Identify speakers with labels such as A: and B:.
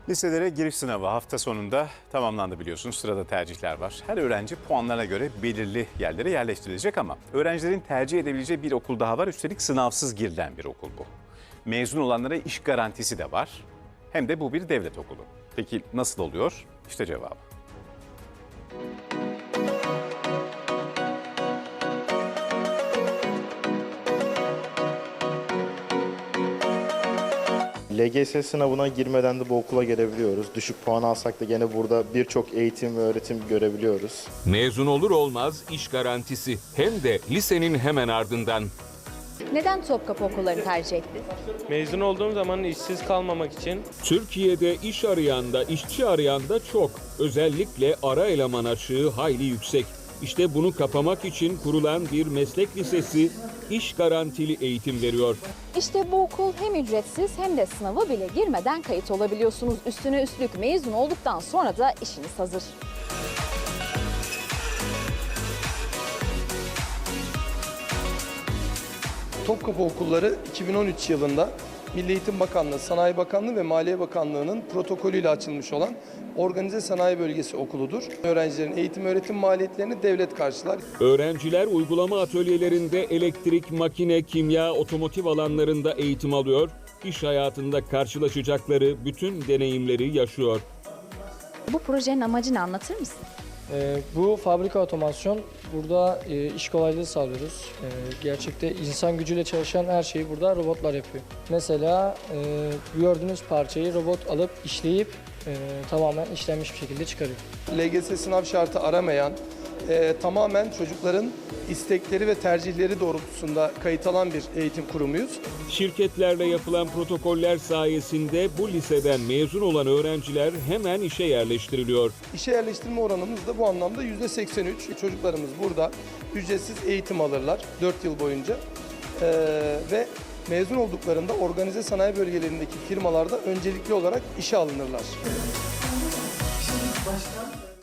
A: Liselere giriş sınavı hafta sonunda tamamlandı biliyorsunuz. Sırada tercihler var. Her öğrenci puanlarına göre belirli yerlere yerleştirilecek ama öğrencilerin tercih edebileceği bir okul daha var. Üstelik sınavsız girilen bir okul bu. Mezun olanlara iş garantisi de var. Hem de bu bir devlet okulu. Peki nasıl oluyor? İşte cevabı.
B: LGS sınavına girmeden de bu okula gelebiliyoruz. Düşük puan alsak da gene burada birçok eğitim ve öğretim görebiliyoruz.
C: Mezun olur olmaz iş garantisi hem de lisenin hemen ardından.
D: Neden Topkapı okullarını tercih ettin?
E: Mezun olduğum zaman işsiz kalmamak için
C: Türkiye'de iş arayan da işçi arayan da çok. Özellikle ara eleman açığı hayli yüksek. İşte bunu kapamak için kurulan bir meslek lisesi iş garantili eğitim veriyor.
D: İşte bu okul hem ücretsiz hem de sınava bile girmeden kayıt olabiliyorsunuz. Üstüne üstlük mezun olduktan sonra da işiniz hazır.
F: Topkapı Okulları 2013 yılında Milli Eğitim Bakanlığı, Sanayi Bakanlığı ve Maliye Bakanlığı'nın protokolüyle açılmış olan Organize Sanayi Bölgesi okuludur. Öğrencilerin eğitim öğretim maliyetlerini devlet karşılar.
C: Öğrenciler uygulama atölyelerinde elektrik, makine, kimya, otomotiv alanlarında eğitim alıyor. İş hayatında karşılaşacakları bütün deneyimleri yaşıyor.
D: Bu projenin amacını anlatır mısın?
G: Bu fabrika otomasyon. Burada iş kolaylığı sağlıyoruz. Gerçekte insan gücüyle çalışan her şeyi burada robotlar yapıyor. Mesela gördüğünüz parçayı robot alıp işleyip tamamen işlenmiş bir şekilde çıkarıyor.
F: LGS sınav şartı aramayan, tamamen çocukların istekleri ve tercihleri doğrultusunda kayıt alan bir eğitim kurumuyuz.
C: Şirketlerle yapılan protokoller sayesinde bu liseden mezun olan öğrenciler hemen işe yerleştiriliyor.
F: İşe yerleştirme oranımız da bu anlamda %83. Çocuklarımız burada ücretsiz eğitim alırlar 4 yıl boyunca ve mezun olduklarında organize sanayi bölgelerindeki firmalarda öncelikli olarak işe alınırlar.